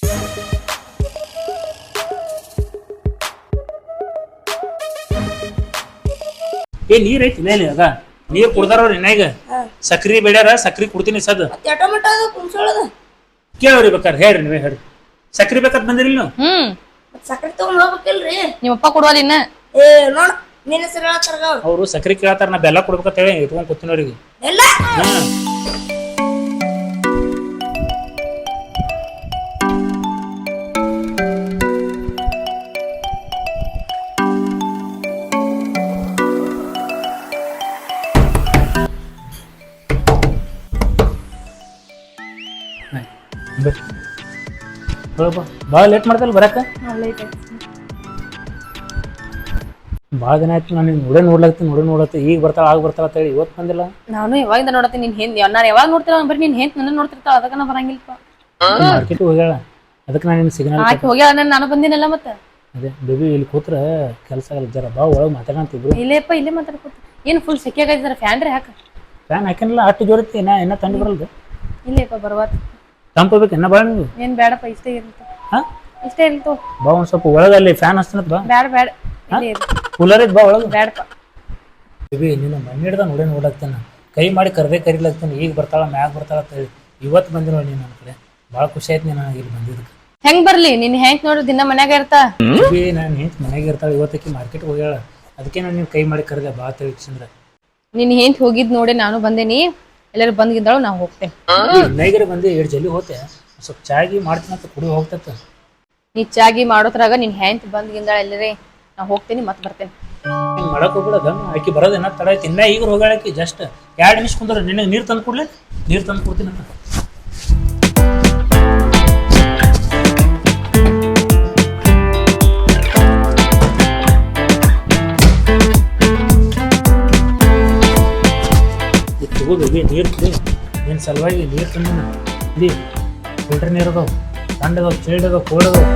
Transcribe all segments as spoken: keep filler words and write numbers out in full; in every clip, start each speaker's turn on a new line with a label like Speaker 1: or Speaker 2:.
Speaker 1: ಏ ನೀರ್ ಐತಿ ಇಲ್ಲ ಆಗ ನೀರ್ ಕುಡ್ದಾರ ಈಗ ಸಕ್ರಿ ಬೇಡ್ಯಾರ ಸಕ್ರಿ ಕುಡ್ತೀನಿ ಸದ್ ಕೇಳ್ರಿ ಬೇಕಾರೆ ಹೇಳ್ರಿ ನೀವೇ ಹೇಳ್ರಿ ಸಕ್ರಿ ಬೇಕಂತ ಬಂದಿರಿ ನೀವು
Speaker 2: ಹ್ಮ್
Speaker 3: ಸಕ್ರಿ ತಗೊಂಡ್ ಹೋಗ್ಬೇಕಿಲ್ರಿ
Speaker 2: ನಿಮ್ಮಪ್ಪ ಕೊಡುವಲ್ಲ ಇನ್ನ
Speaker 3: ಏ ನೋಡ್ ನಿನ್ನ ಹೆಸರು ಹೇಳತ್ತಾರ
Speaker 1: ಅವ್ರು ಸಕ್ರಿ ಕೇಳತ್ತಾರ ನಾ ಬೆಲ್ಲ ಕೊಡ್ಬೇಕಂತ ಹೇಳಿ ಇಟ್ಕೊಂಡ್ ಕೂತೀನಿ ಅವ್ರಿಗೆ
Speaker 3: ಎಲ್ಲ
Speaker 1: ಭಾಳ ಲೇಟ್ ಮಾಡ್ದಲ್ಲ ಬರಕ ಭಾಳ ದಿನ ಆಯ್ತು ನಾನು ನೋಡೇ ನೋಡ್ಲಾಗ್ತೀನಿ ನೋಡೇ ನೋಡತ್ತೆ ಈಗ ಬರ್ತಾಳ ಆಗ ಬರ್ತಾಳ ಅಂತ ಹೇಳಿ ಇವತ್ತು ಬಂದಿಲ್ಲ. ನಾನು
Speaker 2: ಯಾವಾಗಿಂದ ನೋಡತ್ತೀನಿ ನಿನ್ ಹೆಂಗ್ ನಾನು ಯಾವಾಗ ನೋಡ್ತಿಲ್ಲ ಬರೀ ನಿನ್ ಹೆಂಗ್ ನನ್ನ ನೋಡ್ತಿರ್ತಾಳ ಅದಕ್ಕೆ ನಾ ಬರಂಗಿಲ್ಪ.
Speaker 1: ಮಾರ್ಕೆಟ್ ಹೋಗ್ಯಾಳ ಅದಕ್ಕೆ ನಾನು ನಿನ್ನ ಸಿಗ್ನಲ್
Speaker 2: ಆಕೆ ಹೋಗ್ಯಾಳ ನಾನು ನಾನು ಬಂದಿನಲ್ಲ ಮತ್ತೆ
Speaker 1: ಅದೇ ಬೇಬಿ ಇಲ್ಲಿ ಕೂತ್ರ ಕೆಲಸ ಆಗಲ್ಲ ಜರ ಬಾ ಒಳಗೆ ಮಾತಾಡಂತಿದ್ರು.
Speaker 2: ಇಲ್ಲೇಪ್ಪ ಇಲ್ಲೇ ಮಾತಾಡ್ಕೊತ ಏನು ಫುಲ್ ಸೆಕೆ ಆಗೈತೆ ಫ್ಯಾನ್ ರೀ ಹಾಕ
Speaker 1: ಫ್ಯಾನ್ ಹಾಕಿನಲ್ಲ ಅಷ್ಟು ಜೋರೈತಿ ಇನ್ನ ಇನ್ನ ತಂದು ಬರಲ್ದು
Speaker 2: ಇಲ್ಲೇಪ್ಪ ಬರ್ವಾತ
Speaker 1: ತಂಪು ಬೇಕು ಇನ್ನ ಬಾ ನೀವು
Speaker 2: ಏನ್ ಬೇಡಪ್ಪ ಇಷ್ಟೇ ಇರುತ್ತೆ
Speaker 1: ಹಾ
Speaker 2: ಇಷ್ಟೇ ಇರ್ತು
Speaker 1: ಬಾ ಒಂದ್ ಸ್ವಲ್ಪ ಒಳಗಲ್ಲಿ ಫ್ಯಾನ್ ಹಚ್ತನತ್ ಬಾ
Speaker 2: ಬೇಡ ಬೇಡ
Speaker 1: ಕೂಲರ್ ಐತ್ ಬಾ ಒಳಗೆ
Speaker 2: ಬೇಡಪ್ಪ
Speaker 1: ಬೇಬಿ ನೀನು ಮಣ್ಣು ಹಿಡ್ದ ನೋಡೇ ನೋಡಾಕ್ತಾನ ಕೈ ಮಾಡಿ ಕರ್ದೇ ಕರಿಲಾಗ್ತಾನೆ ಈಗ ಬರ್ತಾಳ ಮ್ಯಾಗ ಬರ್ತಾಳ ಅಂತ ಹೇಳಿ ಇವತ್ತು ಬಂದಿರೋ ನೀನು ನನ್ನ ಕಡೆ ಭಾಳ ಖುಷಿ ಆಯ್ತು ನೀನು ಇಲ್ಲಿ ಬಂದಿದ್ದಕ್ಕೆ.
Speaker 2: ಹೆಂಗ್ ಬರ್ಲಿ ನಿನ್ ಹೆಂಗ್ ನೋಡ್ರಿ ದಿನ ಮನ್ಯಾಗ ಇರ್ತಾ
Speaker 1: ಬೇಬಿ ನಾನು ಹೆಂಚ್ ಮನೆಯಾಗ ಇರ್ತಾಳೆ ಇವತ್ತಕ್ಕೆ ಮಾರ್ಕೆಟ್ ಹೋಗ್ಯಾಳ ಅದಕ್ಕೆ ನಾನು ನೀನು ಕೈ ಮಾಡಿ ಕರೆದೆ ಬಾ ತಿಳಿಸಿಂದ್ರೆ
Speaker 2: ನಿನ್ ಹೆಂಗ್ ಹೋಗಿದ್ ನೋಡಿ ನಾನು ಬಂದೇನಿ ಎಲ್ಲರೂ ಬಂದ್ಗಿದ್ದಾಳು ನಾವು ಹೋಗ್ತೇನೆ.
Speaker 1: ನೈಗರೆ ಬಂದು ಎರಡು ಜಲ್ದಿ ಹೋತೆ ಸ್ವಲ್ಪ ಚಾಗಿ ಮಾಡ್ತೀನಿ ಅಂತ ಕುಡಿ ಹೋಗ್ತೈತೆ
Speaker 2: ನೀ ಚಾಗಿ ಮಾಡೋದ್ರಾಗ ನಿನ್ ಹೆಂಗ್ ಬಂದ್ಗಿಂದಾಳ ಎಲ್ಲರೇ ನಾ ಹೋಗ್ತೇನಿ ಮತ್ತೆ ಬರ್ತೇನೆ.
Speaker 1: ಹಿಂಗೆ ಮಾಡಕ್ ಹೋಗ್ಬಿಡೋದ ಆಕಿ ಬರೋದೇನ ತಡ ಐತಿ ಇನ್ನ ಈಗ ಹೋಗಾಳಕಿ ಜಸ್ಟ್ ಎರಡು ನಿಮಿಷ ಕುಂದ್ರೆ ನಿನಗೆ ನೀರು ತಂದು ಕೊಡ್ಲಿ ನೀರು ತಂದು ಕೊಡ್ತೀನಿ ಅಂತ ತಗೋಬೇಬಿ ನೀರು ಕುಡಿ ನಿನ್ನ ಸಲುವಾಗಿ ನೀರು ತಂದಿನ ಇಲ್ಲಿ ಫಿಲ್ಟರ್ ನೀರು ಅದಾವ ಸಣ್ಣ ಅದಾವ ಚಿಲ್ಡ್ ಅದಾವ ಕೋಲ್ಡ್ ಅದಾವ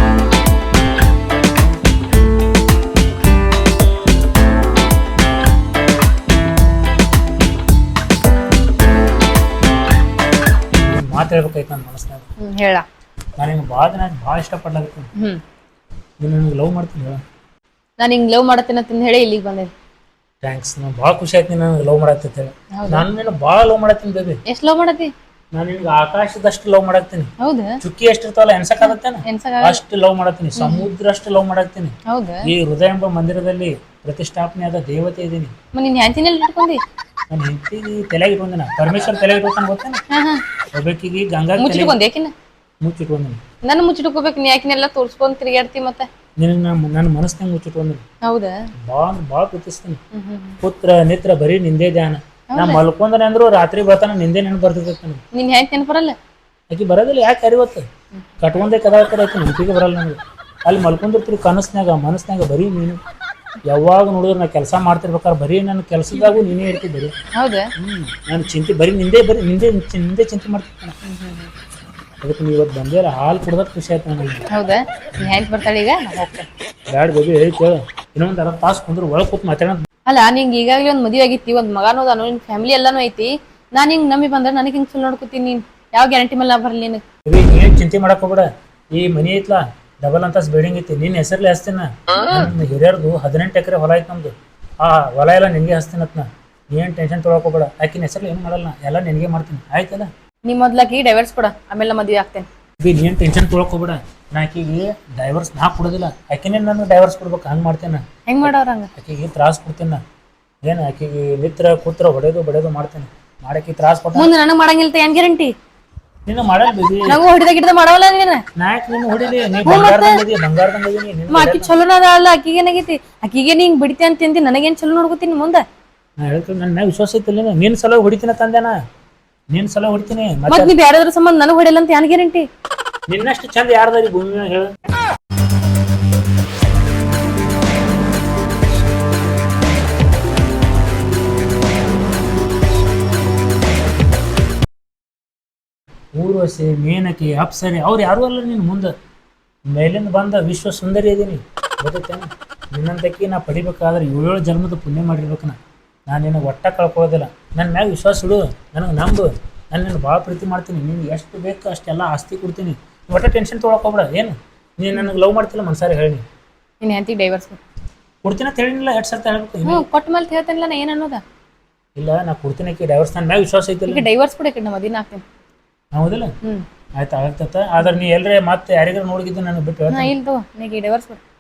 Speaker 1: ಮಾತು ಹೇಳ್ಬೇಕಾಯ್ತು ನನ್ನ ಮನಸ್ಸಿನಾಗ
Speaker 2: ಹೇಳ
Speaker 1: ನಾನು ಹಿಂಗೆ ಭಾಳ ದಿನ ಭಾಳ ಇಷ್ಟಪಡ್ಲಾಗತ್ತೀನಿ
Speaker 2: ಹ್ಮ್
Speaker 1: ನೀನು ನನಗೆ ಲವ್ ಮಾಡ್ತೀನಿ ಹೇಳ
Speaker 2: ನಾನು ಹಿಂಗ್ ಲವ್ ಮಾಡತ್ತೇನೆ ಅಂತ ಹೇಳಿ ಇಲ್ಲಿಗೆ ಬಂದೆ.
Speaker 1: ಥ್ಯಾಂಕ್ಸ್ ನಾನು ಭಾಳ ಖುಷಿ ಆಯ್ತು ನೀನು ನನಗೆ ಲವ್ ಮಾಡತ್ತೆ ಹೇಳಿ ನಾನು ನೀನು ಭಾಳ ಲವ್ ಮಾಡತ್ತೀನಿ ಬೇಬಿ.
Speaker 2: ಎಷ್ಟ್ ಲವ್ ಮಾಡತಿ?
Speaker 1: ನಾನು ನಿನ್ಗೆ ಆಕಾಶದಷ್ಟು ಲವ್ ಮಾಡತ್ತೀನಿ.
Speaker 2: ಹೌದಾ?
Speaker 1: ಚುಕ್ಕಿ ಎಷ್ಟಿರ್ತಾವಲ್ಲ ಎನ್ಸಕ್ಕಾಗತ್ತೇನ ಅಷ್ಟು ಲವ್ ಮಾಡತ್ತೀನಿ ಸಮುದ್ರ ಅಷ್ಟು ಲವ್ ಮಾಡತ್ತೀನಿ.
Speaker 2: ಹೌದಾ? ಈ
Speaker 1: ಹೃದಯ ಎಂಬ ಮಂದಿರದಲ್ಲಿ ಪ್ರತಿಷ್ಠಾಪನೆ ಆದ ದೇವತೆ ಇದೀನಿ.
Speaker 2: ನಿನ್ ಹ್ಯಾಂಚಿನಲ್ಲಿ ಇಟ್ಕೊಂಡಿ
Speaker 1: ನಾನು ಹೆಂಡತಿಗೆ ತಲೆಗೆ ಇಟ್ಕೊಂದಿನ ಪರಮೇಶ್ವರ್ ತಲೆಗೆ ಇಟ್ಕೊಂಡ್ ಗೊತ್ತೇನ ಒಬ್ಬಾಕಿಗೆ ಗಂಗಾ
Speaker 2: ಮುಚ್ಚಿಟ್ಕೊಂಡ್ ಯಾಕಿನ
Speaker 1: ಮುಚ್ಚಿಟ್ಕೊಂದಿನಿ.
Speaker 2: ನನ್ನ ಮುಚ್ಚಿಟ್ಕೋಬೇಕು ನೀ ಯಾಕಿನೆಲ್ಲ ತೋರ್ಸ್ಕೊಂಡ್ ತಿರುಗಾಡ್ತಿ ಮತ್ತೆ
Speaker 1: ನಿನ್ನ ನನ್ನ ಮನಸ್ಸಿನಾಗ ಮುಚ್ಚಿಟ್ಕೊಂದಿನಿ.
Speaker 2: ಹೌದಾ?
Speaker 1: ಭಾಳ ಭಾಳ ಪ್ರೀತಿಸ್ತೀನಿ. ಪುತ್ರ ನೇತ್ರ ಬರೀ ನಿಂದೇ ಧ್ಯಾನ ನಾ ಮಲ್ಕೊಂಡನೆ ಅಂದ್ರು ರಾತ್ರಿ ಬರ್ತಾನ ನಿಂದೆ ನೆನಪು ಬರ್ತೈತೆ ನನಗೆ.
Speaker 2: ನಿನ್ ಹೆಂಗ್ ನೆನಪು ಬರಲ್ಲ?
Speaker 1: ಆಕಿ ಬರೋದಿಲ್ಲ ಯಾಕೆ ಅರಿವತ್ತು ಕಟ್ಕೊಂಡೆ ಕದ ಕಡೆ ಆಕಿ ನೆನಪಿಗೆ ಬರಲ್ಲ ನನಗೆ. ಅಲ್ಲಿ ಮಲ್ಕೊಂಡಿರ್ತೀರಿ ಕನಸ್ನಾಗ ಮನಸ್ನಾಗ ಬರೀ ನೀನು ಯಾವಾಗ ನೋಡಿದ್ರೆ ನಾ ಕೆಲಸ ಮಾಡ್ತಿರ್ಬೇಕಾದ್ರೆ ಬರೀ ನನ್ನ ಕೆಲಸದಾಗೂ ನೀನೇ ಇರ್ತಿ ಬರೀ.
Speaker 2: ಹೌದಾ?
Speaker 1: ಹ್ಮ್ ನಾನು ಚಿಂತೆ ಬರೀ ನಿಂದೆ ಬರೀ ನಿಂದೆ ನಿಂದೆ ಚಿಂತೆ ಮಾಡ್ತಿರ್ತಾನೆ. ಅದಕ್ಕೆ ನೀವು ಇವತ್ತು ಬಂದಿಲ್ಲ ಹಾಲು ಕುಡ್ದಕ್ಕೆ ಖುಷಿ ಆಯ್ತು ನನಗೆ.
Speaker 2: ಹೌದಾ? ನೀ ಹೆಂಗ್ ಬರ್ತಾಳೆ ಈಗ ನಾ ಹೋಗ್ತೇನೆ.
Speaker 1: ಬ್ಯಾಡ ಬೇಬಿ ಹೇಳಿ ಕೇಳ ಇನ್ನೊಂದು ಅರ್ಧ ತಾಸು ಕುಂದ್ರೆ ಒಳಗೆ ಕೂತ್ ಮಾತಾಡೋಣ.
Speaker 2: ಅಲ್ಲ ನಿಂಗೆ ಈಗಾಗಲೇ ಒಂದು ಮದುವೆ ಆಗಿತ್ತಿ ಒಂದು ಮಗನೂ ಅದಾನು ನಿನ್ ಫ್ಯಾಮಿಲಿ ಎಲ್ಲಾನು ಐತಿ ನಾನು ಹಿಂಗ್ ನಂಬಿ ಬಂದ್ರೆ ನನಗೆ ಹಿಂಗ್ ಸುಳ್ಳು ನೋಡ್ಕೊತೀನಿ ನೀನ್ ಯಾವ ಗ್ಯಾರಂಟಿ ಮೇಲೆ ನಾ ಬರ್ಲಿ ನಿನಗೆ.
Speaker 1: ಏನ್ ಚಿಂತೆ ಮಾಡಕ್ ಹೋಗ್ಬೇಡ ಈ ಮನಿ ಐತ್ಲಾ ಡಬಲ್ ಅಂತಸ್ ಬಿಲ್ಡಿಂಗ್ ಐತಿ ನಿನ್ನ ಹೆಸರ್ಲಿ ಹಚ್ತೀನಿ. ಹಿರಿಯರ್ದು ಹದಿನೆಂಟು ಎಕರೆ ಹೊಲ ಐತಿ ನಮ್ದು ಆ ಹೊಲ ಎಲ್ಲ ನಿನಗೆ ಹಚ್ತೀನತ್ ನಾ ನೀನ್ ಟೆನ್ಷನ್ ತೊಗೊಳಕ್ ಹೋಗ್ಬೇಡ ಆಕಿನ ಹೆಸರ್ಲಿ ಏನು ಮಾಡಲ್ಲ ಎಲ್ಲ ನಿನಗೆ ಮಾಡ್ತೀನಿ ಆಯ್ತಲ್ಲ.
Speaker 2: ನೀ ಮೊದ್ಲಾಕಿ ಡೈವರ್ಸ್ ಕೊಡ ಆಮೇಲೆ ಮದುವೆ ಆಗ್ತೇನೆ.
Speaker 1: ಬಿ ನೀನ್ ಟೆನ್ಷನ್ ತೊಗೊಳಕ್ ಹೋಗ್ಬೇಡ ನಾ ಆಕಿಗೆ ಡೈವರ್ಸ್ ನಾ ಕೊಡೋದಿಲ್ಲ ಆಕಿನೇ ನನಗೆ ಡೈವರ್ಸ್ ಕೊಡ್ಬೇಕು ಹಂಗೆ ಮಾಡ್ತೇನೆ.
Speaker 2: ಹೆಂಗ್ ಮಾಡೋರ ಹಂಗ?
Speaker 1: ಆಕಿಗೆ ತ್ರಾಸ್ ಕೊಡ್ತೀನಿ ನಾ ಏನು ಆಕಿಗೆ ಮಿತ್ರ ಕೂತ್ರ ಹೊಡೆದು ಬಡಿಯೋದು ಮಾಡ್ತೇನೆ ಮಾಡಕ್ಕೆ ತ್ರಾಸ್ ಕೊಟ್ಟ
Speaker 2: ಮುಂದೆ ನನಗೆ ಮಾಡಂಗಿಲ್ಲ ಏನ್ ಗ್ಯಾರಂಟಿ?
Speaker 1: ನೀನು ಮಾಡಲ್ಲ ಬೇಬಿ
Speaker 2: ನಂಗೂ ಹೊಡಿದ ಗಿಡದ ಮಾಡವಲ್ಲ ನೀನು
Speaker 1: ನಾಯಕ್ ನೀನು ಹೊಡಿಲಿ ನೀ ಬಂಗಾರದಂಗದಿ ಬಂಗಾರದಂಗದಿ
Speaker 2: ಆಕಿ ಚಲೋನ ಅಲ್ಲ ಆಕಿಗೆ ಏನಾಗೈತಿ ಆಕಿಗೆ ನೀ ಹಿಂಗ್ ಬಿಡ್ತಿ ಅಂತ ತಿಂತಿ ನನಗೇನ್ ಚಲೋ ನೋಡ್ಕೊತೀನಿ ಮುಂದೆ.
Speaker 1: ನಾ ಹೇಳ್ತೀನಿ ನನ್ನ ವಿಶ್ವಾಸ ಐತಿಲ್ಲ ನೀನು ನಿನ್ನ ಸಲ ಹೊಡಿತೀನಿ ತಂದೆನಾ ನಿನ್ನ ಸಲ ಹೊಡಿತೀನಿ
Speaker 2: ಮತ್ತೆ ನೀ ಬೇರೆದ್ರ ಸಂಬಂಧ ನನಗೆ ಹೊಡಿಯಲ್ಲ ಅಂತ ಏನ್ ಗ್ಯಾರಂಟಿ?
Speaker 1: ನಿನ್ನಷ್ಟು ಚಂದ ಯಾರ್ದಾರಿ ಭೂಮಿ ಮ್ಯಾಗ ಹೇಳು. ಊರ್ವಶಿ ಮೇನಕಿ ಅಪ್ಸರಿ ಅವ್ರು ಯಾರು ಅಲ್ಲ ನೀನು ಮುಂದೆ ಮೇಲಿಂದ ಬಂದ ವಿಶ್ವ ಸುಂದರಿ ಇದೀನಿ ಗೊತ್ತೇನೆ. ನಿನ್ನಂತಕಿ ನಾ ಪಡಿಬೇಕಾದ್ರೆ ಏಳೇಳು ಜನ್ಮದ ಪುಣ್ಯ ಮಾಡಿರ್ಬೇಕು ನಾ ನಾನು ನಿನಗೆ ಒಟ್ಟ ಕಳ್ಕೊಳ್ಳೋದಿಲ್ಲ ನನ್ನ ಮ್ಯಾಗ ವಿಶ್ವಾಸ ಇಡು ನನಗೆ ನಂಬು ನಾನು ನಿನ್ನ ಭಾಳ ಪ್ರೀತಿ ಮಾಡ್ತೀನಿ ನಿನ್ಗೆ ಎಷ್ಟು ಬೇಕು ಅಷ್ಟೆಲ್ಲ ಆಸ್ತಿ ಕೊಡ್ತೀನಿ ಒಟ್ಟ ಟೆನ್ಷನ್ ತೊಗೊಳಕ್ ಹೋಗ್ಬೇಡ. ಏನು ನೀನು ನನಗೆ ಲವ್ ಮಾಡ್ತಿಲ್ಲ ಮನ್ಸಾರಿ ಹೇಳಿ.
Speaker 2: ನಿನ್ನ ಹೆಂಡತಿ ಡೈವರ್ಸ್
Speaker 1: ಕೊಡ್ತೀನಿ ಅಂತ ಹೇಳಿಲ್ಲ ಎರಡು ಸರ್ತಿ ಹೇಳ್ಬೇಕು.
Speaker 2: ಹ್ಞೂ ಕೊಟ್ಟ ಮೇಲೆ ಹೇಳ್ತೇನಿಲ್ಲ ನಾ ಏನು ಅನ್ನೋದ
Speaker 1: ಇಲ್ಲ ನಾ ಕೊಡ್ತೀನಿ ಆಕಿ ಡೈವರ್ಸ್ ನನ್ನ ಮ್ಯಾಗ ವಿಶ್ವಾಸ ಐತಿಲ್ಲ.
Speaker 2: ಈಗ ಡೈವರ್ಸ್ ಕೂಡ ನಮ್ಮ ಮದಿನ ಹಾಕ್ತೇನೆ.
Speaker 1: ಹೌದಿಲ್ಲ?
Speaker 2: ಹ್ಞೂ
Speaker 1: ಆಯ್ತು ಆಗ್ತತ್ತ. ಆದ್ರೆ ನೀ ಎಲ್ಲರೇ ಮತ್ತೆ ಯಾರಿಗಾರು ನೋಡಿದ್ದು ನನಗೆ ಬಿಟ್ಟು
Speaker 2: ನಾ ಇಲ್ಲ ತಗೋ ನೀಗ ಡೈವರ್ಸ್ ಬಿಡು.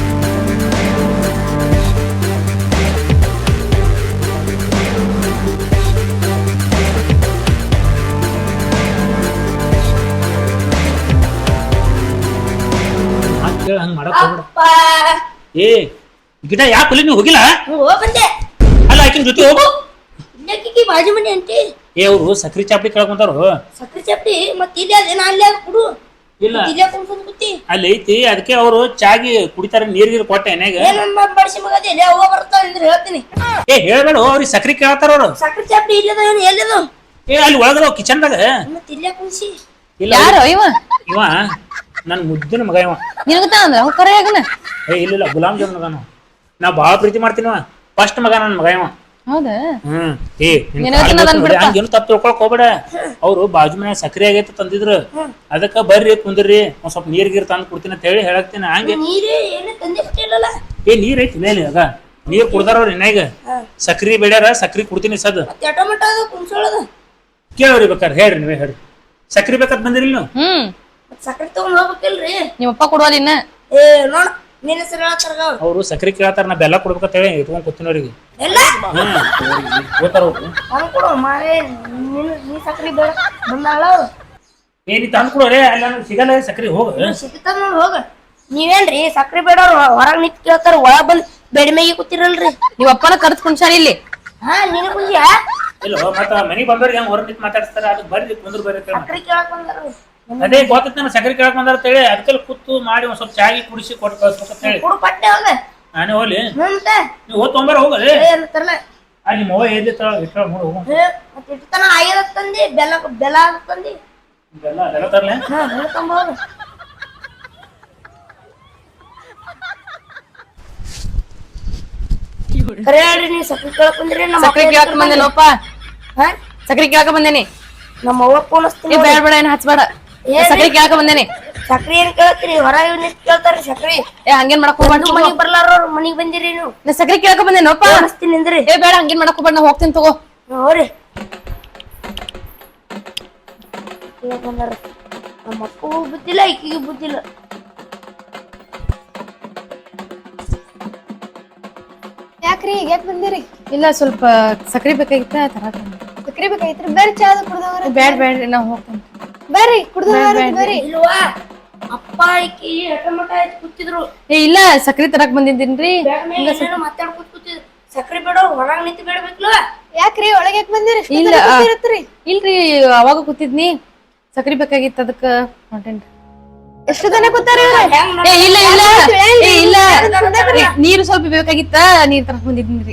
Speaker 1: ಹಂಗೆ ಮಾಡಕ್ ಹೋಗ್ಬೇಡ.
Speaker 3: ಅಪ್ಪ
Speaker 1: ಏ ಗಿಡ ಯಾಕೆ ಅಲ್ಲಿ ನೀವು ಹೋಗಿಲ್ಲ?
Speaker 3: ಹೋಗ್ ಬಂದೆ.
Speaker 1: ಅಲ್ಲ ಆಕಿನ ಜೊತೆ ಹೋಗು.
Speaker 3: ಇಲ್ಲಕ್ಕಿ ಬಾಜು ಮನೆ ಅಂಟಿ
Speaker 1: ಏ ಅವರು ಸಕ್ರಿ ಚಾಪಡಿ ಕೇಳಕ್ ಬಂದಾರು.
Speaker 3: ಸಕ್ರಿ ಚಪ್ಟಿ ಮತ್ ಇಲ್ಲಿ ಅದೇನ ಅಲ್ಲಿ ಕುಡು
Speaker 1: ಇಲ್ಲ
Speaker 3: ಇಲ್ಲೇ ಕುಂತ್ಕೊಂಡ್ ಕೂತಿ
Speaker 1: ಅಲ್ಲಿ ಐತಿ. ಅದಕ್ಕೆ ಅವರು ಚಾಗಿ ಕುಡಿತಾರ ನೀರ್ ಗೀರ್ ಕೊಟ್ಟೆ ಎನ್ಯಾಗ.
Speaker 3: ಏನನ್ನ ಬಡಿಸಿ ಮಗದಿ ಎಲ್ಲಿ ಹೋಗ ಬರ್ತಾವ ಅಂದ್ರೆ ಹೇಳ್ತೀನಿ.
Speaker 1: ಏ ಹೇಳ್ಬೇಡ ಅವ್ರಿಗೆ ಸಕ್ರಿ ಕೇಳ್ತಾರ ಅವ್ರು.
Speaker 3: ಸಕ್ರಿ ಚಪ್ಟಿ ಇಲ್ಲದ ಏನು ಎಲ್ಲಿದ
Speaker 1: ಏ ಅಲ್ಲಿ ಒಳಗದ ಕಿಚನ್ದಾಗ.
Speaker 3: ಮತ್ ಇಲ್ಲೇ ಕುಂಸಿ
Speaker 1: ಇಲ್ಲ
Speaker 2: ಯಾರು ಇವ
Speaker 1: ಇವ ನನ್ ಮುದ್ದಿನ ಮಗ ಇವ.
Speaker 2: ನಿನಗತ್ತ ಅಂದ್ರ ಅವ್ ಕರೆ ಆಗನ.
Speaker 1: ಏ ಇಲ್ಲ ಇಲ್ಲ ಗುಲಾಮ್ ಜಾಮೂನ್ ಮಗ ನಾವು. ನಾ ಬಾಳ ಪ್ರೀತಿ ಮಾಡ್ತೀನಿವ. ಫಸ್ಟ್ ಮಗ ನನ್ ಮಗ ಇವ.
Speaker 2: ಹೌದಾ?
Speaker 1: ಹ್ಮ್. ಏ
Speaker 2: ನಿನಗತ್ತ
Speaker 1: ಹಂಗೇನು ತಪ್ಪು ತಿಳ್ಕೊಳಕ್ ಹೋಗ್ಬೇಡ. ಅವ್ರು ಬಾಜು ಮನ್ಯಾಗ ಸಕ್ರಿ ಆಗೈತೆ ತಂದಿದ್ರು. ಅದಕ್ಕ ಬರ್ರಿ ಕುಂದ್ರಿ ಒಂದ್ ಸ್ವಲ್ಪ ನೀರ್ ಗೀರ್ ತಂದು ಕೊಡ್ತೀನಿ ಅಂತ ಹೇಳಿ ಹೇಳಕ್ತೀನಿ. ಹಂಗೆ
Speaker 3: ನೀರೇ ಏನೇ ತಂದೆ ಬಿಟ್ಟಿಲ್ಲಲ್ಲ.
Speaker 1: ಏ ನೀರ್ ಐತಿ ಮೇಲೆ ಆಗ ನೀರ್ ಕುಡ್ದಾರ ಅವ್ರ ಎನ್ಯಾಗ. ಸಕ್ರಿ ಬೇಡ್ಯಾರ ಸಕ್ರಿ ಕುಡ್ತೀನಿ ಸದ್.
Speaker 3: ಮತ್ತೆ ಆಟೋಮೆಟ ಅದು ಕುಂಸೋಳದ
Speaker 1: ಕೇಳ್ರಿ ಬೇಕಾರೆ ಹೇಳ್ರಿ ನೀವೇ ಹೇಳ್ರಿ. ಸಕ್ರಿ ಬೇಕಂತ ಬಂದಿರಿ ನೀವು?
Speaker 2: ಹ್ಮ್
Speaker 3: ಮತ್ ಸಕ್ರಿ ತಗೊಂಡ್ ಹೋಗ್ಬೇಕಿಲ್ರಿ.
Speaker 2: ನಿಮ್ಮಪ್ಪ ಕೊಡುವಲ್ಲ ಇನ್ನ.
Speaker 3: ಏ ನೋಡ ನಿನ್ನ ಹೆಸರು ಹೇಳ್ತಾರ ಅವ್ರು.
Speaker 1: ಅವ್ರು ಸಕ್ರಿ ಕೇಳ್ತಾರ. ನಾ ಬೆಲ್ಲ ಕೊಡ್ಬೇಕಂತ ಹೇಳಿ ಇಟ್ಕೊಂಡ್ ಕೂತೀನಿ ಅವ್ರಿಗೆ.
Speaker 3: ಎಲ್ಲ
Speaker 1: ಹ್ಮ್ ಗೊತ್ತಾರ ಅವ್ರು.
Speaker 3: ತಂದ್ ಕೊಡು ಮಾರೇ. ನೀನು ನೀ ಸಕ್ರಿ ಬೇಡ ಬಂದಾಳ ಅವ್ರು.
Speaker 1: ಏ ನೀ ತಂದು ಕೊಡೋರೆ ಅಲ್ಲ ನನಗೆ ಸಿಗಲ್ಲ ಸಕ್ರಿ ಹೋಗ.
Speaker 3: ಸಿಗ್ತಾರ ನೋಡ್ ಹೋಗ. ನೀವೇನ್ರಿ ಸಕ್ರಿ ಬೇಡ ಹೊರಗ್ ನಿಂತ್ ಕೇಳ್ತಾರ ಒಳಗ್ ಬಂದ್ ಬೆಡ್ ಮೇಗಿ ಕೂತಿರಲ್ರಿ.
Speaker 2: ನಿಮ್ಮ ಅಪ್ಪನ ಕರ್ದ್ ಕುಣ್ಸಾರ ಇಲ್ಲಿ.
Speaker 3: ಹಾ ನೀನು ಕುಂಜಿಯಾ
Speaker 1: ಇಲ್ಲ ಮತ್ತ ಮನೆಗೆ ಬಂದವ್ರಿಗೆ ಹೆಂಗ್ ಹೊರ ನಿಂತು ಮಾತಾಡ್ತಾರ. ಅದಕ್ಕೆ ಬರ್ರಿ ಕುಂದ್ರ ಬರ್ರಿ ಅಂತ ಹೇಳಿ.
Speaker 3: ಸಕ್ರಿ ಕೇಳಕ್ ಬಂದಾರ.
Speaker 1: ಅದೇ ಗೊತ್ತೈತಿ ನಾನು ಸಕ್ರಿ ಕೇಳಕ್ ಬಂದಾರ ಅಂತ ಹೇಳಿ. ಅದಕ್ಕೆಲ್ಲ ಕೂತು ಮಾಡಿ ಒಂದ್ ಸ್ವಲ್ಪ ಚಾಗಿ ಕುಡಿಸಿ ಕೊಟ್ಟು ಕಳ್ಸ್ಬೇಕಂತ ಹೇಳಿ.
Speaker 3: ಕುಡು ಪಟ್ಟೆ ಹೋಗ.
Speaker 1: ನಾನೇ ಹೋಗ್ಲಿ
Speaker 3: ಮತ್ತೆ
Speaker 1: ನೀವು ಹೋದ್ ತೊಂಬಾರ ಹೋಗಲಿ.
Speaker 3: ಅಂತರಲ್ಲ
Speaker 1: ಅಲ್ಲಿ ನಿಮ್ಮ ಅವ್ವ ಎಲ್ಲಿ ಇಟ್ಟಾಳ ನೋಡಿ ಹೋಗು.
Speaker 3: ಮತ್ತೆ ಇಟ್ಟತನ ಆಯ್ದ ತಂದಿ ಬೆಲ್ಲ ಬೆಲ್ಲ ತಂದಿ.
Speaker 1: ಬೆಲ್ಲ ಬೆಲ್ಲ ತರ್ಲೆ.
Speaker 3: ಹಾ ಬೆಲ್ಲ ತಂಬ ಹೋಗ. ಕರೆ ಹೇಳ್ರಿ ನೀವು ಸಕ್ರಿ ಕೇಳಕ್ ಬಂದ್ರಿ. ನಮ್ಮ
Speaker 2: ಸಕ್ರಿ ಕೇಳಕ್ ಬಂದೇನಪ್ಪ.
Speaker 3: ಹಾ
Speaker 2: ಸಕ್ರಿ ಕೇಳಕ ಬಂದೇನಿ.
Speaker 3: ನಮ್ಮ ಅವ್ವ ಫೋನ್ ಹಚ್ತೀನಿ.
Speaker 2: ಏ ಬೇಡ ಬೇಡ ಏನ್ ಹಚ್ಬೇಡ. ಸಕ್ರಿ ಕೇಳಕ ಬಂದೇನಿ.
Speaker 3: ಸಕ್ರಿ ಏನ್ ಕೇಳ್ತೀರಿ ಹೊರಗೆ ನಿಂತ್ ಕೇಳ್ತಾರ್ರಿ ಸಕ್ರಿ.
Speaker 2: ಏ ಹಂಗೇನ್ ಮಾಡಕ್ ಹೋಗ್ಬೇಡ.
Speaker 3: ಮನಿಗ್ ಬರ್ಲಾರ ಮನಿಗ್ ಬಂದಿರಿ ನೀವು.
Speaker 2: ನಾ ಸಕ್ರಿ ಕೇಳಕ ಬಂದೇನಪ್ಪ.
Speaker 3: ಹಚ್ತೀನಿ ಅಂದ್ರಿ.
Speaker 2: ಏ ಬೇಡ ಹಂಗೇನ್ ಮಾಡಕ್ ಹೋಗ್ಬೇಡ. ನಾ ಹೋಗ್ತೀನಿ ತಗೋ.
Speaker 3: ಹೋರಿ ಬಂದಾರ. ನಮ್ಮ ಅಪ್ಪಗೂ ಬುದ್ಧಿಲ್ಲ ಈಕಿಗೂ ಬುದ್ಧಿಲ್ಲ.
Speaker 4: ಯಾಕ್ರಿ ಈಗ ಯಾಕೆ ಬಂದಿರಿ?
Speaker 2: ಇಲ್ಲ ಸ್ವಲ್ಪ ಸಕ್ರಿ ಬೇಕಾಗಿತ್ತ ತರಾಕ.
Speaker 4: ಸಕ್ರಿ ಬೇಕಾಗಿತ್ರಿ? ಬರ್ರಿ ಚಾ ಕುಡ್ದವ್ರ.
Speaker 2: ಬೇಡ ಬೇಡ್ರಿ ನಾ ಹೋಗ್ತೀನಿ.
Speaker 4: ಬರ್ರಿ ಕುಡ್ದವ್ರ ಬರ್ರಿ.
Speaker 3: ಇಲ್ವಾ ಅಪ್ಪ ಈಕಿ ಹಠಮಠ ಆಯ್ತು ಕೂತಿದ್ರು.
Speaker 2: ಏ ಇಲ್ಲ ಸಕ್ರಿ ತರಾಕ್ ಬಂದಿದ್ದೀನ್ರಿ.
Speaker 3: ಮಾತಾಡ್ಕೊತ ಕೂತಿದ್ರು. ಸಕ್ರಿ ಬೇಡ ಹೊರಗ್ ನಿಂತು ಬೇಡಬೇಕಲ್ವ?
Speaker 4: ಯಾಕ್ರಿ ಒಳಗೆ ಯಾಕೆ ಬಂದಿರಿ?
Speaker 2: ಇಲ್ಲ ಇಲ್ರಿ ಅವಾಗ ಕೂತಿದ್ನಿ. ಸಕ್ರಿ ಬೇಕಾಗಿತ್ತು ಅದಕ್ಕ ಹೊಂಟೇನ್ರಿ.
Speaker 4: ಎಷ್ಟು ಜನ ಕೂತಾರ?
Speaker 2: ಏ ಇಲ್ಲ ಇಲ್ಲ ಏ ಇಲ್ಲ ನೀರು ಸ್ವಲ್ಪ ಬೇಕಾಗಿತ್ತ ನೀರ್ ತರಕ್ ಬಂದಿದ್ದೀನ್ರಿ.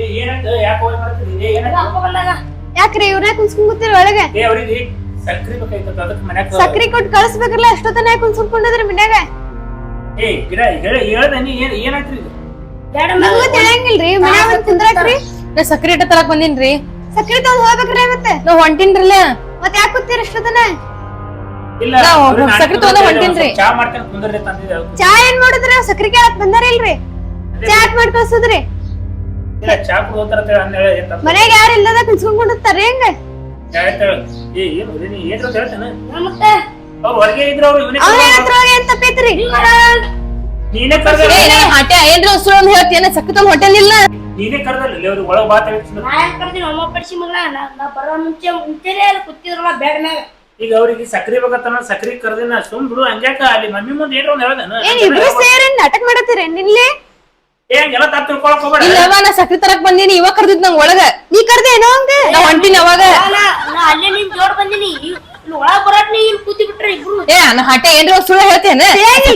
Speaker 4: ಯಾಕ್ರಿ ಇವ್ರ ಕುನ್ಸ್ಕೊಂಡ್ ಕೂತಿರಿ ಒಳಗೆ?
Speaker 1: ಸಕ್ರಿ ಬೇಕಾಗಿತ್ತು ಅದಕ್ಕೆ ಮನ್ಯಾಗ
Speaker 4: ಸಕ್ರಿ ಕೊಟ್ಟು ಕಳ್ಸ್ಬೇಕಲ್ಲ. ಎಷ್ಟೊತ್ತನ ಕುನ್ಸ್ಕೊಂಡ್ಕೊಂಡಿದ್ರಿ ಮನ್ಯಾಗ?
Speaker 1: ಏ ಗಿಡ ಹೇಳ್ದ ನೀ ಏನ್ ಏನಾಯ್ತ್ರಿ ಇದು?
Speaker 4: ನಮಗೂ ತಿಳಿಯಂಗಿಲ್ರಿ ಮನ್ಯಾಗ ಬಂದ್ ಕುಂದ್ರಾಕ್ರಿ.
Speaker 2: ನಾ ಸಕ್ರಿ ಇಟ್ಟ ತರಕ್ ಬಂದಿನ್ರಿ.
Speaker 4: ಸಕ್ರಿ ತಗೊಂಡ್ ಹೋಗ್ಬೇಕ್ರಿ ಮತ್ತೆ.
Speaker 2: ನಾವ್ ಹೊಂಟಿನ್ರಲ್ಲ.
Speaker 4: ಮತ್ ಯಾಕೆ ಕೂತಿರಿ ಎಷ್ಟೊತ್ತನ?
Speaker 1: ಇಲ್ಲ
Speaker 2: ಸಕ್ರಿ ತಗೊಂಡ ಹೊಂಟಿನ್ರಿ.
Speaker 1: ಚಾ ಮಾಡ್ತೇನೆ ಕುಂದ್ರಿ ತಂದಿದ್ದೆ.
Speaker 4: ಚಾ ಏನ್ ಮಾಡುದ್ರಿ? ಸಕ್ರಿ ಕೇಳಕ್ ಬಂದಾರ ಇಲ್ರಿ? ಚಾ ಯಾಕೆ ಮಾಡಿ ಕಳ್ಸುದ್ರಿ?
Speaker 1: ಇಲ್ಲ ಚಾ ಕುಡ್ತಾರ ಅಂತ ಹೇಳಿ ಅಂದೇಳ ಏನ್ ತಪ್ಪು?
Speaker 4: ಮನ್ಯಾಗ ಯಾರು ಇಲ್ಲದ ಕುನ್ಸ್ಕೊಂಡ್ತಾರ್ರಿ ಹೆಂಗ?
Speaker 1: ಏ ಏನು ನೀ ಏನು ಅಂತ ಹೇಳ್ತೇನೆ.
Speaker 3: ಮತ್ತೆ
Speaker 1: ಅವ್ರು ಹೊರಗೆ ಇದ್ರು ಅವ್ರು ಇವನೇ
Speaker 4: ಅವ್ರ ಹತ್ರ ಏನ್ ತಪ್ಪೈತ್ರಿ?
Speaker 1: ನೀನೇ ಕರ್ದ
Speaker 2: ಹಾಟೆ ಏನ್ರಿ ಉಸುಳು ಅಂತ ಹೇಳ್ತೀನ. ಸಕ್ರಿ ತಗೊಂಡ್ ಹೊಂಟೇನಿಲ್ಲ.
Speaker 1: ನೀನೇ ಕರ್ದಲ್ಲ ಅವ್ರಿಗೆ ಒಳಗ್ ಬಾತ್ ಹೇಳ್ತೀನಿ.
Speaker 3: ನಾ ಯಾಕೆ ಕರ್ದಿ ನಮ್ಮ ಪಡಿಸಿ ಮಗಳ ನಾ ಬರೋ ಮುಂಚೆ ಮುಂಚೆನೆ ಅಲ್ಲಿ ಕೂತಿದ್ರಲ್ಲ ಬ್ಯಾಗ್ ಮ್ಯಾಗ.
Speaker 1: ಈಗ ಅವ್ರಿಗೆ ಸಕ್ರಿ ಬೇಕಂತ ಸಕ್ರಿ ಕರ್ದಿನ ಸುಮ್ ಬಿಡು. ಹಂಗ್ಯಾಕ ಅಲ್ಲಿ ಮಮ್ಮಿ ಮುಂದೆ ಏನ್ರ ಒಂದ್ ಹೇಳ್ದೇನ?
Speaker 4: ಏನ್ ಇಬ್ರು ಸೇರಿ ನಾಟಕ ಮಾಡತ್ತೀರಿ ನಿಲ್ಲಿ?
Speaker 1: ಏ ಹಂಗೆಲ್ಲ ತಪ್ಪು ತಿಳ್ಕೊಳಕ್ ಹೋಗ್ಬೇಡ.
Speaker 2: ಇಲ್ಲವ ನಾ ಸಕ್ರಿ ತರಕ್ ಬಂದೀನಿ. ಇವಾಗ ಕರ್ದಿದ್ ನಂಗ್ ಒಳಗ.
Speaker 4: ನೀ ಕರ್ದೇನೋ ಹಂಗ?
Speaker 2: ನಾ ಹೊಂಟಿನಿ ಅವಾಗ.
Speaker 3: ನಾ ಅಲ್ಲೇ ನಿನ್ ಜೋಡ್ ಬಂದಿನಿ. ಇಲ್ಲಿ ಒಳಗ್ ಬರಾಟ್ ನೀ ಇಲ್ಲಿ ಕೂತಿ ಬಿಟ್ರೆ ಇಬ್ರು.
Speaker 2: ಏ ನಾ ಹಾಟೆ ಏನ್ರಿ ಸುಳ್ಳು ಹೇಳ್ತೇನೆ.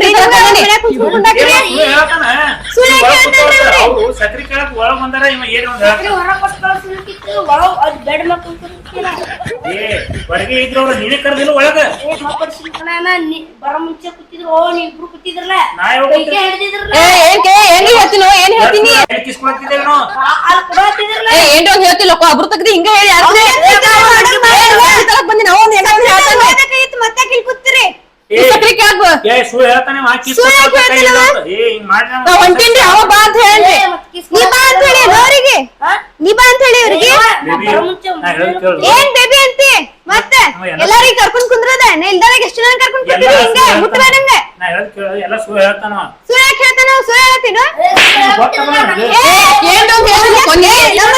Speaker 1: ಸಕ್ರಿ ಕೇಳಕ್ ಒಳಗ್ ಬಂದಾರ ಇವ ಏನ್ ಒಂದ್ ಹೇಳ್ತಾನ.
Speaker 3: ಹೊರಗ್ ಕೊಟ್ಟು ಕಳ್ಸಿರ್ತಿತ್ತು ಒಳಗ್ ಅದ್ ಬೆಡ್ ಮ್ಯಾಗ ಕೂತಿರ್ತೀನ.
Speaker 1: ಏ ಹೊರಗೆ ಇದ್ರು ಅವ್ರು ನೀನೇ ಕರ್ದಿಲ್ಲ ಒಳಗ.
Speaker 3: ಏ ಮಾ ಪಡಿಸಿ ಕಣ ನೀ ಬರೋ ಮುಂಚೆ ಕೂತಿದ್ರು. ಓ ನೀ ಇಬ್ರು ಕೂತಿದ್ರಲ್ಲ
Speaker 1: ನಾ ಯಾವಾಗ
Speaker 3: ಕೈಗೆ ಹಿಡ್ದಿದ್ರಲ್ಲ.
Speaker 2: ಏ ಏನ್ ಕೇ ಏನ್ ಹೇಳ್ತೀನೋ ಏನ್ ಹೇಳ್ತೀನಿ.
Speaker 1: ಕಿಸ್ಕೊಳ್ತಿದ್ದೇನೋ
Speaker 3: ಅಲ್ಲಿ ಕೊಡತ್ತಿದ್ರಲ್ಲ.
Speaker 2: ಏ ಏನ್ರಿ ಒಂದ್ ಹೇಳ್ತಿಲ್ಲ ಅಬ್ರು ತಗದಿ ಹಿಂಗ ಹೇಳಿ ಯಾರು ತರಕ್ ಬಂದಿ ನಾವು ಒಂದ್
Speaker 4: ಮತ್ತೆ ಕೂತಿರಿ
Speaker 1: ಏ
Speaker 2: ಸಕ್ರಿ ಕೇಳಕ್ ಬಾ.
Speaker 1: ಏ ಸುಳ್ಳು ಹೇಳ್ತಾನೆ ವಾ ಕಿಸ್
Speaker 4: ಸುಳ್ಳು ಯಾಕ್
Speaker 1: ಕೊಡ್ತಾನೆ, ಕೈ
Speaker 4: ಹೇಳ್ತಾನೆ
Speaker 1: ಹಿಡ್ದು. ಏ ಹಿಂಗ್ ಮಾಡ್ರಿ
Speaker 2: ನಾ ಹೊಂಟೇನ್ರಿ ಅವ ಬಾ ಅಂತ ಹೇಳ್ರಿ.
Speaker 4: ನೀ ಬಾ ಅಂತ ಹೇಳಿ ಅವರಿಗೆ ನೀ ಬಾ ಅಂತ ಹೇಳಿ ಅವ್ರಿಗೆ
Speaker 1: ಬೇಬಿ ನಾ ಹೇಳೋದ್ ಕೇಳು.
Speaker 4: ಏನ್ ಬೇಬಿ ಅಂತಿ ಮತ್ತೆ ಎಲ್ಲಾರಿಗೂ ಕರ್ಕೊಂಡ್ ಕುಂದ್ರದ ನಾ ಇಲ್ದಾಗ ಎಷ್ಟು ಜನ ಕರ್ಕೊಂಡ್ ಕುಂತಿದ್ರಿ
Speaker 1: ಎಲ್ಲ
Speaker 4: ಹಿಂಗ
Speaker 1: ಸುಳ್ಳು
Speaker 4: ಮುಟ್ಬೇಡ
Speaker 1: ಹೇಳ್ತಾನೆ.
Speaker 4: ನಂಗೆ
Speaker 1: ನಾ ಹೇಳೋದ್ ಕೇಳು, ಎಲ್ಲ ಸುಳ್ಳು ಹೇಳ್ತಾನ ಅವ.
Speaker 4: ಸುಳ್ಳು ಯಾಕೆ ಹೇಳ್ತಾನ ನಾವು ಸುಳ್ಳು ಹೇಳ್ತೀನ
Speaker 1: ಗೊತ್ತಲ್ಲ ನನಗೆ.
Speaker 2: ಏನ್ ಅಂತ ಹೇಳಿದ್ರೆ ಕೊನೆ.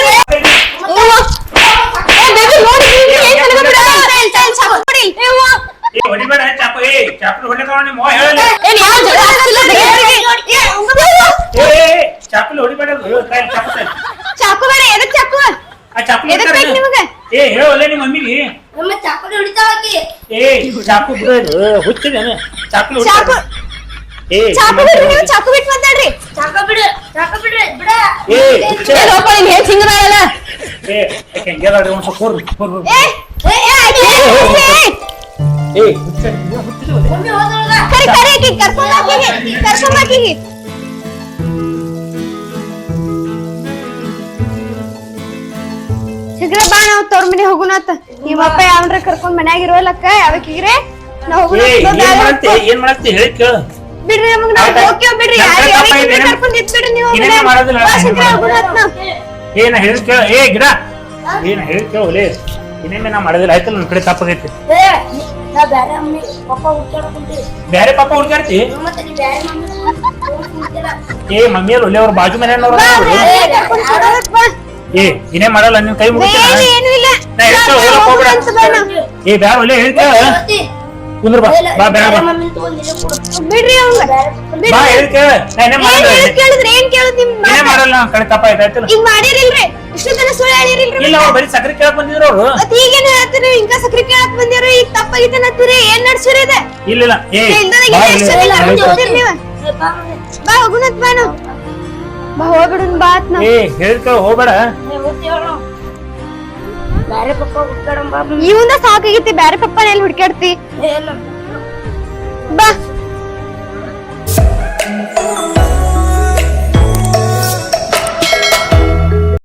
Speaker 2: ಏ ಬೇಬಿ ನೋಡಿ ಏನ್ ತನಕ ಬಿಡ.
Speaker 1: ಏ ಹೊಡಿಬೇಡ ಚಾಕು, ಏ ಚಾಕು ಹೊಡಿತಾವ ನಿಮ್ಮ ಅವ್ವ ಹೇಳಲ್ಲ.
Speaker 2: ಏನ್ ಯಾವ ಜಗಳ ಆಗ್ತಿಲ್ಲ
Speaker 1: ಏ ಏ, ಚಾಕು ಹೊಡಿಬೇಡ ಹೇಳು, ಕೈ ಚಾಕು ಕೈ.
Speaker 4: ಚಾಕು ಬೇಡ ಎದಕ್ ಚಾಕು
Speaker 1: ಆ ಚಾಕು
Speaker 4: ಎದಕ್ ಬೇಕು ನಿಮಗೆ
Speaker 1: ಏ ಹೇಳಲ್ಲ ನಿಮ್ಮ ಮಮ್ಮಿಗೆ.
Speaker 3: ನಮ್ಮ ಚಾಕುಲಿ ಹೊಡಿತಾಳಕಿ
Speaker 1: ಏ ಚಾಕು ಬಿಡು ಹುಚ್ಚಿದೇನೆ ಚಾಕು
Speaker 4: ಚಾಕು
Speaker 1: ಏ
Speaker 4: ಚಾಕು ಬಿಡ್ರಿ ನೀವು ಚಾಕು ಬಿಟ್ಟು ಮಾತಾಡ್ರಿ
Speaker 3: ಚಾಕ ಬಿಡು ಚಾಕ ಬಿಡ್ರಿ ಬಿಡ
Speaker 1: ಏ ಹುಚ್ಚ
Speaker 2: ಏ ಲೋಪ ನೀನ್ ಹೇಗ್ ಹಿಂಗದಾಳಲ್ಲ.
Speaker 1: ಏ ಯಾಕೆ ಗೆಲಾಡಿ ಒಂದು ಸ್ವಲ್ಪ ಕೂರು ಕೂರು
Speaker 4: ಏ ಏ ಏ ಆಯ್ತು, ಏ,
Speaker 1: ಏ ಹುಚ್ಚ ನೀವು ಹುಚ್ಚಿದೆ
Speaker 3: ಮಮ್ಮಿ ಹೋದಳಗ
Speaker 4: ಕರಿ ಕರಿ ಆಕಿ ಕರ್ಕೊಂಡ್ ಹಾಕಿಗೆ ಕರ್ಕೊಂಡ್ ಹಾಕಿಗೆ ಶೀಘ್ರ ಬಾ ನಾವು ತವ್ರ ಮನೆ ಹೋಗುಣತ್ತ ನಿಮ್ಮಪ್ಪ ಯಾವನ್ರ ಕರ್ಕೊಂಡ್ ಮನ್ಯಾಗ ಇರೋಲಕ್ಕ ಯಾವಕ್ಕಿಗ್ರೆ ನಾವ್ ಹೋಗುಣ
Speaker 1: ಏ ಏನ್ ಮಾಡತ್ತೆ ಏನ್ ಮಾಡತ್ತೆ ಹೇಳಿ ಕೇಳು.
Speaker 4: ಬಿಡ್ರಿ ನಮಗ್ ನಾವ್ ಹೋಗ್ತೇವ್ ಬಿಡ್ರಿ ಯಾರು ಯಾವಕ್ಕಿಗ್ರೆ ಕರ್ಕೊಂಡ್ ಇದ್ ಬಿಡ್ರಿ ನೀವು
Speaker 1: ಏನೇನ್ ಮಾಡೋದಿಲ್ಲ,
Speaker 4: ಬಾ ಶೀಘ್ರ ಹೋಗುಣತ್ ನಾವ್
Speaker 1: ಏನ ಹೇಳಿ ಕೇಳು. ಏ ಗಿಡ ಏನ ಹೇಳಿ ಕೇಳು ಒಲೆ ಇನ್ನೇನೆ ನಾ ಮಾಡೋದಿಲ್ಲ ಆಯ್ತಲ್ಲ ನನ್ನ ಕಡೆ ತಪ್ಪಾಗೈತಿ.
Speaker 3: ಏ ನಾ ಬ್ಯಾರೆ ಮಮ್ಮಿ ಪಪ್ಪ ಹುಡ್ಕಾಡಕುಂತೀವಿ
Speaker 1: ಬ್ಯಾರೆ ಪಾಪ ಹುಡ್ಕಾಡ್ತಿ.
Speaker 3: ಮತ್ತೆ ನೀ ಬ್ಯಾರೆ ಮಮ್ಮಿ ಹುಡ್ಕಾಡ್ತೀರಾ
Speaker 1: ಏ ಮಮ್ಮಿಯರ್ ಒಳ್ಳೆ ಅವ್ರ ಬಾಜು ಮನೆಯವ್ರ
Speaker 4: ಬಾ ಯಾರ್ಯಾರ್ ಕರ್ಕೊಂಡ್ ಕೊಡೋದಕ್ ಬಾ
Speaker 1: ಏ ಇನ್ನೇ ಮಾಡಲ್ಲ ನಿನ್ ಕೈ ಮುಗಿತೇನ.
Speaker 4: ಏನು ಏನು ಇಲ್ಲ
Speaker 1: ನಾ ಹೇಳ್ತೇವೆ, ಹೋಗಕ್ ಹೋಗ್ಬೇಡ.
Speaker 4: ಹೋಗುಣಂತ ಬಾ ನಾವ್.
Speaker 1: ಏ ಬ್ಯಾರ ಒಲೆ ಹೇಳ್ತೇವ ಕುಂದ್ರ ಬಾ ಬಾ ಬ್ಯಾಡ ಬಾ
Speaker 3: ಮಮ್ಮಿ ತಗೊಂಡಿಲ್ಲ ಕೊಡು
Speaker 4: ಬಿಡ್ರಿ ಅವಂಗ ಬಿಡ್ರಿ
Speaker 1: ಬಾ ಹೇಳ್ತೇವ ನಾ ಇನ್ನೇ
Speaker 4: ಏನ್
Speaker 1: ಮಾಡಲ್ಲ
Speaker 4: ಹೇಳೋದ್ ಕೇಳಿದ್ರೆ ಏನ್ ಕೇಳೋದ್ ನಿಮ್
Speaker 1: ಇನ್ನೇ
Speaker 4: ಮಾತ?
Speaker 1: ಮಾಡಲ್ಲ ನನ್ನ ಕಡೆ ತಪ್ಪ ಆಯ್ತು ಆಯ್ತಲ್ಲ.
Speaker 4: ಈಗ ಮಾಡಿರಿಲ್ರಿ ಇಷ್ಟು ತನ ಸುಳ್ಳು ಹೇಳಿರಿಲ್ರಿ
Speaker 1: ಇಲ್ಲ ಅವ್ರು ಬರೀ ಸಕ್ಕರೆ ಕೇಳಕ್ ಬಂದಿದ್ರು ಅವ್ರು.
Speaker 4: ಮತ್ ಈಗೇನ್ ಹೇಳ್ತೀರಿ ಇಂಕ ಸಕ್ರಿ ಕೇಳಕ್ ಬಂದಿರೋ ಈಗ ತಪ್ಪಾಗಿತ್ತ ನತ್ತೀರಿ ಏನ್ ನಡ್ಸಿರಿ ಇದೆ
Speaker 1: ಇಲ್ಲ ಇಲ್ಲ ಏ
Speaker 4: ಇಲ್ದದಾಗ
Speaker 1: ಬಾ
Speaker 4: ಎಷ್ಟು
Speaker 1: ಇಲ್ಲಿ.
Speaker 4: ಜನ ಕರ್ಕೊಂಡ್
Speaker 1: ಆಯ್ತು.
Speaker 4: ಹೋಗ್ತೀರಿ ನೀವು
Speaker 3: ಏ ಬಾ ಮಮ್ಮಿ
Speaker 4: ಬಾ ಹೋಗುಣತ್ ಬಾ ನಾವು ಬಾ ಹೋಗ್ಬಿಡುನ್ ಬಾ ಆತ್ ನಾವ್
Speaker 1: ಏ ಹೇಳ್ತೇವ ಹೋಗ್ಬೇಡ.
Speaker 3: ಏ ಹೋಗ್ತೀವ ನಾವು ಬ್ಯಾರೆ ಪಪ್ಪ ಹುಡ್ಕಾಡಂ ಬಾ ಮಮ್ಮಿ
Speaker 4: ಇವಂದ ಸಾಕಾಗೈತಿ ಬ್ಯಾರೆ ಪಪ್ಪನ ಎಲ್ಲಿ ಹುಡ್ಕ್ಯಾಡ್ತಿ
Speaker 3: ಏ ಇಲ್ಲ
Speaker 4: ಬಾ